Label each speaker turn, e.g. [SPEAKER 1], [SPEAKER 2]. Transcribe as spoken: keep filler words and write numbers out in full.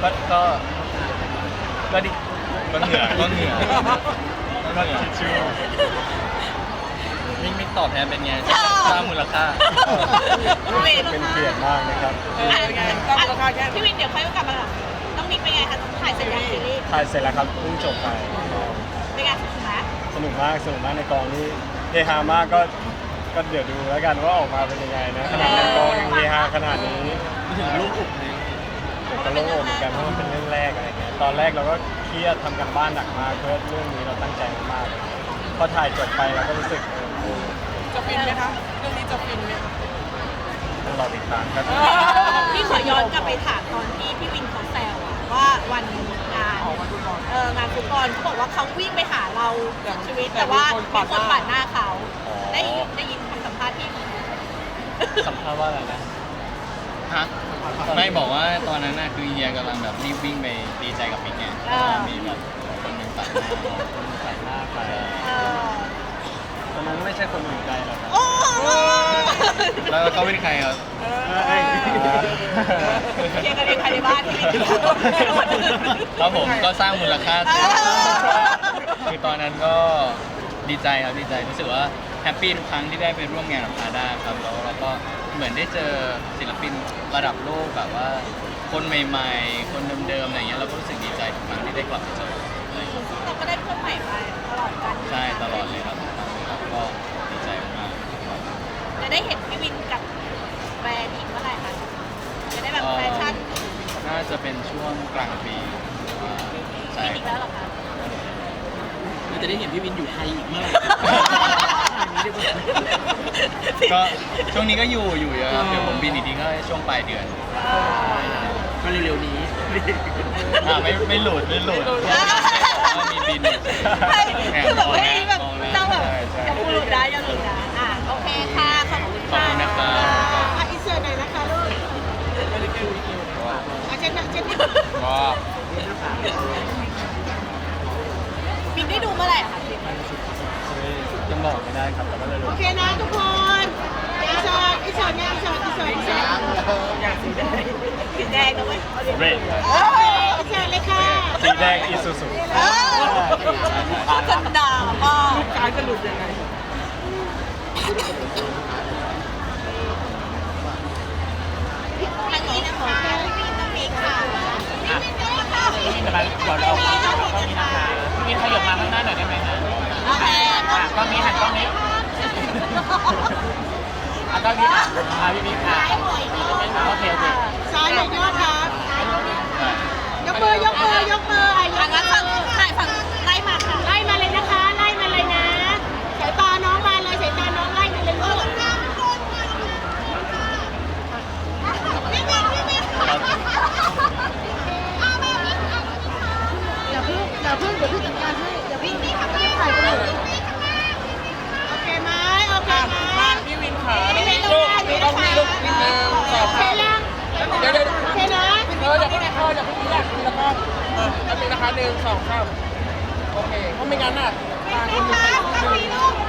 [SPEAKER 1] ก็ก็ก็ดี
[SPEAKER 2] ก็เหนื่อยก็เหนื่อย
[SPEAKER 1] ก็คิดชื่อ
[SPEAKER 2] มิกมิกตอบแทนเป็นไงสร้างมูลค่า
[SPEAKER 1] เป็นเกียรติมากนะครับ
[SPEAKER 3] พี่วินเดี๋ยวค่อยกลับมาหลังต้องมิกเป็นไงคะถ่ายเสร็จยังซีรีส์
[SPEAKER 1] ถ่ายเสร็จแล้วครับเพิ่งจบไป
[SPEAKER 3] เป็นไงสนุกไหม
[SPEAKER 1] สนุกมากสนุกมากในกองนี่เฮฮามากก็ก็เดี๋ยวดูแล้วกันว่าออกมาเป็นยังไงนะขนาดในกองยังเฮฮาขนาดนี้
[SPEAKER 2] ถึงลูกอุบเลย
[SPEAKER 1] ผมก็โล่งอกเหมือนกันเพราะมันเป็นเรื่องแรกอะไรเงี้ยตอนแรกเราก็เครียดทำกันบ้านหนักมากเพื่อเรื่องนี้เราตั้งใจมากๆพอถ่ายจบไปเราก็รู้สึกเออ
[SPEAKER 4] จะฟินไหมคะเรื่องนี้จะฟินไหมคะ
[SPEAKER 1] ต้องรอติดตามครับ
[SPEAKER 3] พี่ขอย้อนกลับไปถามตอนที่พี่วินเขาแซวอะว่าวันงานเอองานฟุตบอลเขาบอกว่าเขาวิ่งไปหาเราสุดชีวิตแต่ว่ามีคนปาดหน้าเขาได้ได้ยินคำสัมภาษณ์ที่
[SPEAKER 1] สัมภาษณ์ว่าอะไรนะ
[SPEAKER 2] ฮะไม่บอกว่าตอนนั้นน่ะคือเฮียกำลังแบบรีบวิ่งไปดีใจกับมิกไงมีแบบคนหนึ่งตัดหน้า
[SPEAKER 1] ใส่หน้าใคร
[SPEAKER 3] เออ
[SPEAKER 1] ตอนนั้นไม่ใช่คนอื่นไกลหรอกครับ
[SPEAKER 3] โอ้
[SPEAKER 2] แล้วเขาเป็นใครครับ
[SPEAKER 1] เอ้ย
[SPEAKER 3] เคลียร์กันเองภายในบ้านที่วิน
[SPEAKER 2] แล้วผมก็สร้างมูลค่าคือตอนนั้นก็ดีใจครับดีใจรู้สึกว่าแฮปปี้ทุกครั้งที่ได้ไปร่วมงานกับพาด้าครับแล้วเราก็เหมือนได้เจอศิลปินระดับโลกแบบว่าคนใหม่ๆ คนเดิมๆอะไรเงี้ยเราก็รู้สึกดีใจทุกครั้งที่ได้กลับมาเจออะไรอย่างเงี้ย
[SPEAKER 3] เราก็ได้เพื่อนใหม่ไปตลอดกัน
[SPEAKER 2] ใช่ตลอดเลยครับครับก็ดีใจมาก
[SPEAKER 3] จะได้เห็นพี่วินกับแบรนด์อีกเมื่อไหร่คะจะได้แบบแฟชั่น
[SPEAKER 2] น่าจะเป็นช่วงกลางปีใช่
[SPEAKER 3] ปีนี้แล้วเหรอคะ
[SPEAKER 4] เราจะได้เห็นพี่วินอยู่ไทยอีกเมื่อไหร่
[SPEAKER 2] ก็ช่วงนี้ก็อยู่อยู่เยอะครับเดี๋ยวผมบินอีกทีก็ช่วงปลายเดือน
[SPEAKER 4] ก็เร็วๆนี้
[SPEAKER 2] อ่าไม่ไม่หลุดไม่หลุดว่ามีบิน
[SPEAKER 3] ใช่
[SPEAKER 2] แหม
[SPEAKER 3] คือแบบ
[SPEAKER 2] มอง
[SPEAKER 3] ไม่
[SPEAKER 2] แล้ว
[SPEAKER 3] แบบ
[SPEAKER 2] มองแล้ว
[SPEAKER 3] ต้องแบบ
[SPEAKER 2] ใช่ใช่
[SPEAKER 3] อย่าพูดหลุดนะอย่าหลุดนะอ่ะโอเคค่ะขอบคุณ
[SPEAKER 2] ขอบ
[SPEAKER 3] ค่ะ
[SPEAKER 2] คุณนะครับ
[SPEAKER 3] อ่ะอินเสิร์ตหน่อยนะคะลูกอ่ะเช่นเช่น
[SPEAKER 2] ก็
[SPEAKER 3] บินได้ดูเมื่อไหร่อะคะบิน
[SPEAKER 1] ยังบอกไม่ได้ครับแต่ก็เลยรู้
[SPEAKER 3] โอเคนะทุกคนอินเสิร์ตอินเสิร์ตเนี่ยอินเสิร์ตอินเสิร์ตอินเสิร์ตอย่างสีแดงสีแดงนะเว้ย
[SPEAKER 1] เรด
[SPEAKER 3] โอเคอินเสิร์ตเลยค่ะ
[SPEAKER 1] สีแดงอีซูซู
[SPEAKER 3] เออเขาจะด่ามาก
[SPEAKER 4] การจะหลุดยังไง
[SPEAKER 3] ทางนี้นะคะพี่บินต้องมีค่ะพี่บินต้องมีค่ะ
[SPEAKER 4] พี่วินมาเดี๋ยวเราก็มีนะคะพี่วินขยับมาข้างหน้าหน่อยได้ไหมนะ
[SPEAKER 3] โอเค
[SPEAKER 4] ก็มีหันกล้องนี้อ่ะกล้องนี้อ่ะพี่วินค่ะโอเคโอเค
[SPEAKER 3] ซ้ายหน่อยยอดครับยกมือยกมือยกมืออ่ะยกมือฝั่งถ่ายฝั่งไล่มาค่ะไล่มาเลยนะคะไล่มาเลยนะสายตาน้องมาเลยสายตาน้องไล่มาเลยลูกอย่าเพิ่งอย่าเพิ่งเดี๋ยวพี่จัดการให้อย่าเพิ่งถ่ายไปเลยโอเคไหมโอเคไหม
[SPEAKER 4] มาพี่วินขา
[SPEAKER 3] ไม่เป็นไร
[SPEAKER 4] ลูก
[SPEAKER 3] ไม่
[SPEAKER 4] ลู
[SPEAKER 3] เป็นไร
[SPEAKER 4] กลูกนิดนึงสอง
[SPEAKER 3] โอเคยัง
[SPEAKER 4] เดี๋ยวเดี๋ยว
[SPEAKER 3] โอเคนะ
[SPEAKER 4] เอออย่าเพิ่งนะอย่าเพิ่งแยกแล้วก็เออแล้วเป็นนะคะหนึ่งสองสามโอเคเพราะไม่งั้นน่ะตาคนหนึ่ง
[SPEAKER 3] ต้องมีลูก